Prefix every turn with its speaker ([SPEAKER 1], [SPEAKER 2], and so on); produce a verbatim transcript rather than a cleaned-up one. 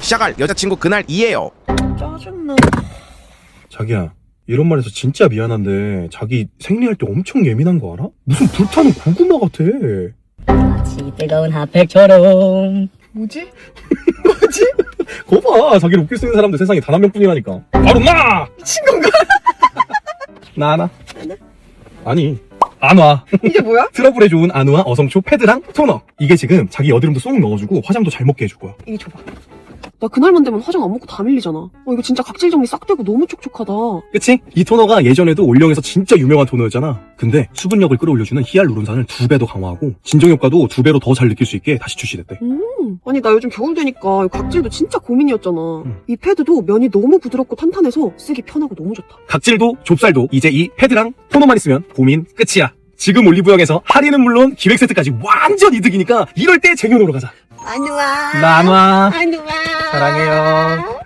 [SPEAKER 1] 시작할 여자친구 그날이에요.
[SPEAKER 2] 짜증나.
[SPEAKER 3] 자기야, 이런 말해서 진짜 미안한데 자기 생리할 때 엄청 예민한 거 알아? 무슨 불타는 고구마 같아.
[SPEAKER 4] 마치 뜨거운 핫팩처럼.
[SPEAKER 2] 뭐지? 뭐지?
[SPEAKER 3] 거봐, 자기를 웃길 수 있는 사람들 세상에 단 한 명뿐이라니까. 바로 나!
[SPEAKER 2] 미친 건가?
[SPEAKER 3] 나 하나? 아니, 안와.
[SPEAKER 2] 이게 뭐야?
[SPEAKER 3] 트러블에 좋은 안우와 어성초 패드랑 토너. 이게 지금 자기 여드름도 쏙 넣어주고 화장도 잘 먹게 해줄 거야.
[SPEAKER 2] 이게 줘봐. 나 그날만 되면 화장 안 먹고 다 밀리잖아. 어, 이거 진짜 각질 정리 싹 되고 너무 촉촉하다.
[SPEAKER 3] 그치? 이 토너가 예전에도 올영에서 진짜 유명한 토너였잖아. 근데 수분력을 끌어올려주는 히알루론산을 두 배 더 강화하고 진정 효과도 두 배로 더 잘 느낄 수 있게 다시 출시됐대.
[SPEAKER 2] 음, 아니 나 요즘 겨울 되니까 이 각질도 진짜 고민이었잖아.
[SPEAKER 3] 음.
[SPEAKER 2] 이 패드도 면이 너무 부드럽고 탄탄해서 쓰기 편하고 너무 좋다.
[SPEAKER 3] 각질도 좁쌀도 이제 이 패드랑 토너만 있으면 고민 끝이야. 지금 올리브영에서 할인은 물론 기획 세트까지 완전 이득이니까 이럴 때 쟁여놓으러 가자.
[SPEAKER 2] 안우아.
[SPEAKER 3] 나 안와.
[SPEAKER 2] 안우아.
[SPEAKER 3] 사랑해요.